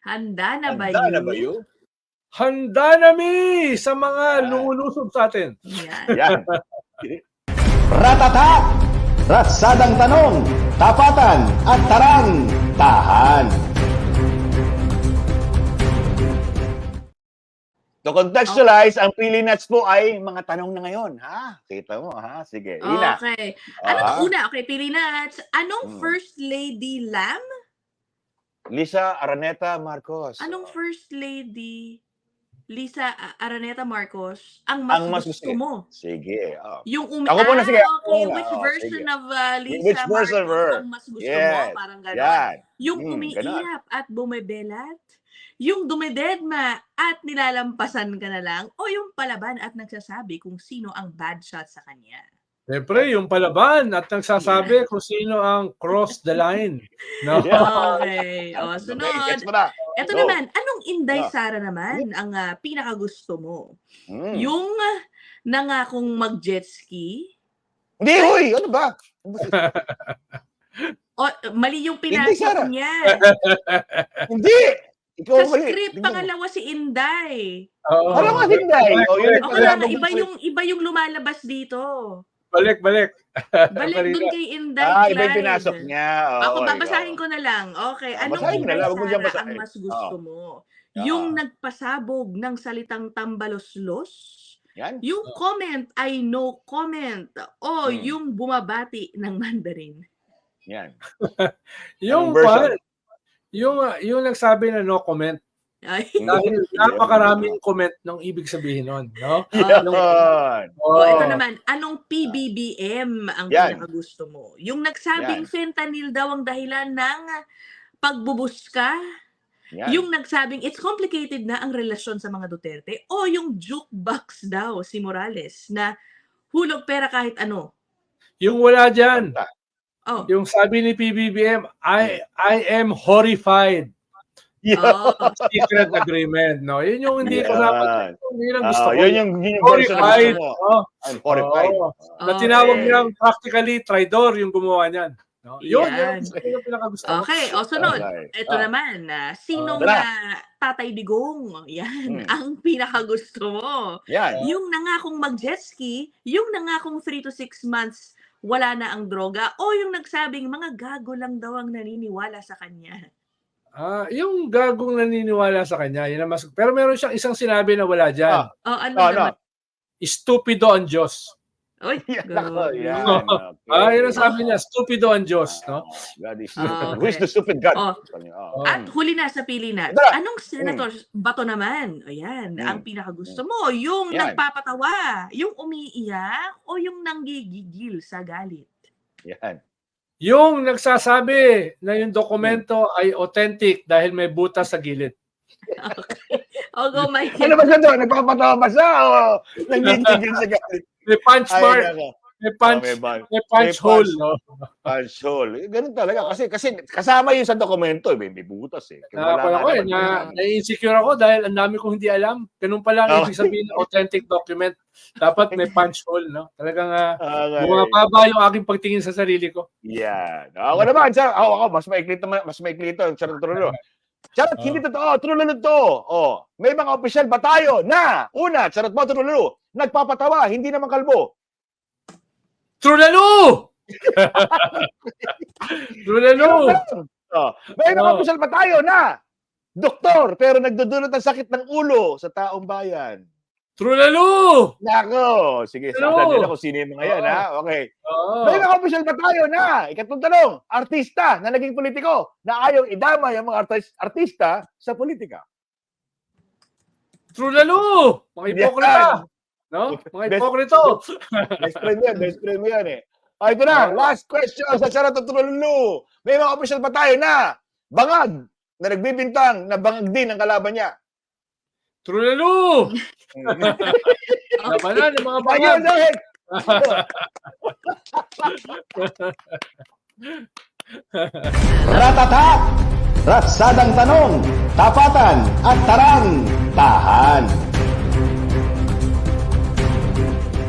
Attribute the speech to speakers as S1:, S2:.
S1: Handa na ba
S2: Handa na ba
S1: you?
S2: you?
S3: Handa na mi sa mga
S2: Yan.
S3: lumulusob sa atin.
S1: Yan.
S2: Yan.
S4: Ratata! Ratsadang tanong, tapatan at tarang, tahan.
S2: To contextualize, ang Pili Nuts po ay mga tanong na ngayon, ha? Kita mo, ha? Sige, Ina.
S1: Okay. Ano
S2: Ah.
S1: to una? Okay, pili na. Anong
S2: Hmm.
S1: First Lady Lam?
S2: Lisa Araneta Marcos.
S1: Anong First Lady Lisa Araneta Marcos ang
S2: Ang
S1: mas
S2: mas
S1: gusto
S2: gusto.
S1: mo?
S2: Sige.
S1: Yung
S2: Ako muna, sige. Ako
S1: okay.
S2: muna.
S1: Which
S2: Oh,
S1: version
S2: sige.
S1: of Lisa
S2: Which version of her?
S1: Marcos ang mas gusto mo?
S2: Yes.
S1: Parang gano'n.
S2: Yan.
S1: Yung
S2: Ganon.
S1: umiiyak at bumebelat? Yung dumededma at nilalampasan ka na lang? O yung palaban at nagsasabi kung sino ang bad shot sa kanya?
S3: Siyempre, yung palaban at nagsasabi kung sino ang cross the line. No?
S2: Yeah.
S1: Okay. O,
S2: Okay,
S1: sunod.
S2: gets mo na.
S1: Ito
S2: Go.
S1: naman, anong Inday
S2: Ah.
S1: Sara naman ang pinakagusto mo?
S2: Hmm.
S1: Yung nangakong mag-jet ski?
S2: Hindi, huy! Ano ba?
S1: O, mali yung
S2: Inday Sara.
S1: pinasok niya.
S2: Hindi! Ikaw
S1: Sa
S2: mali.
S1: script,
S2: Tingnan mo.
S1: pangalawa si Inday.
S3: Oo.
S2: Alam nga, Hinday. Oh, yun
S1: O
S2: ang
S1: kaya nga,
S2: pinag-
S1: iba yung lumalabas dito.
S3: Balik.
S1: Balik
S3: Marina.
S1: dun kay Inday
S2: Ah, iba yung
S1: Clyde.
S2: pinasok niya.
S1: Ako,
S2: Oo,
S1: babasahin
S2: ikaw.
S1: ko na lang. Okay, anong
S2: basahin mo na
S1: Inday
S2: lang, huwag mo diyang
S1: Sara
S2: basahin.
S1: ang mas gusto mo?
S2: Ah.
S1: Yung nagpasabog ng salitang tambaloslos?
S2: Yan.
S1: Yung comment ay no comment? O
S2: Hmm.
S1: yung bumabati ng Mandarin?
S2: Yan.
S3: Yung
S2: Anong version?
S3: yung nagsabi na no comment.
S1: Ay.
S3: Dahil napakaraming comment ng ibig sabihin nun, no?
S2: Yan.
S1: O, ito naman, anong PBBM ang
S2: Yan.
S1: pinakagusto mo? Yung nagsabing
S2: Yan.
S1: fentanyl daw ang dahilan ng pagbubuska?
S2: Yan.
S1: Yung nagsabing it's complicated na ang relasyon sa mga Duterte? O yung jukebox daw si Morales na hulog pera kahit ano?
S3: Yung wala dyan.
S1: Oh.
S3: Yung sabi ni PBBM, I am horrified.
S1: Oh.
S3: Secret agreement, no? Yun yung hindi ko
S2: Yan.
S3: dapat. Yun ang gusto ko.
S2: Yun yung version na
S3: Horrified.
S2: gusto mo.
S3: No?
S2: I'm horrified.
S3: Oo. Na tinawag
S1: Okay.
S3: niyang practically traidor yung gumawa niyan. No? Yun
S1: Yan.
S3: yung pinakagusto ko.
S1: Okay, o sunod.
S2: Okay.
S1: Ito naman, sinong
S2: Tara.
S1: Tatay Digong? Yan,
S2: Hmm.
S1: ang pinakagusto mo.
S2: Yan.
S1: Yung nangakong mag-jet ski, yung nangakong 3 to 6 months wala na ang droga, o yung nagsabing mga gago lang daw ang naniniwala sa kanya.
S3: Yung gagong naniniwala sa kanya, yun ang mas... Pero meron siyang isang sinabi na wala dyan.
S1: O ano
S2: Oh,
S1: naman?
S3: Stupido ang Diyos.
S1: Oy,
S2: Yan.
S1: go.
S2: Yan.
S3: Yun ang sabi niya, stupido ang Diyos. No?
S2: God is
S1: Okay.
S2: Who is the stupid God?
S1: Oh.
S2: Oh.
S1: At huli na sa pili na,
S2: Tara.
S1: anong senator bato naman? Ayan, ang pinakagusto mo, yung
S2: Yan.
S1: nagpapatawa, yung umiiyak, o yung nanggigigil sa galit?
S2: Yan.
S3: Yung nagsasabi na yung dokumento ay authentic dahil may butas sa gilid.
S1: Okay. O go, Mike.
S2: Ano ba siya doon? Nagpapatawa ba siya? O nanggigigil sa galit?
S3: May punch mark,
S2: nako.
S3: may punch,
S2: may
S3: may punch hole. No?
S2: Punch hole. Ganun talaga. Kasi kasama yun sa dokumento. May butas eh.
S3: Wala ko eh, na-insecure ako dahil ang dami kong hindi alam. Ganun pala ang ibig sabihin ng authentic document. Dapat may punch hole. No? Talagang bumababa yung aking pagtingin sa sarili ko.
S2: Yan. Ako naman, ako, mas maikli ito. Charot trulo. Charot, hindi totoo. Trulo to. Oh, may mga opisyal ba tayo na, una, charot mo, trulo, nagpapatawa, hindi naman kalbo.
S3: Trulalo! Trulalo!
S2: Oh, may mga opisyal ba tayo na, doktor, pero nagdudulot ng sakit ng ulo sa taong bayan.
S3: Trulalo!
S2: Nako, sige, sasabihin nila kung sino yung mga yan, ha? Okay. May mga opisyal ba tayo na, ikatlong tanong, artista na naging politiko na ayaw idama yung mga artista sa politika?
S3: Trulalo! Mga hipokrita! No? Mga hipokrito!
S2: Best friend mo yan eh. O, ito na, last question sa Charot at Trululu. May mga opisyal ba tayo na bangag na nagbibintang na bangag din ang kalaban niya?
S3: Trulalo! Labanan ng mga
S2: Ayun,
S3: bangag!
S2: dahil!
S4: Ratata! Ratsadang tanong, tapatan at tarang, tahan.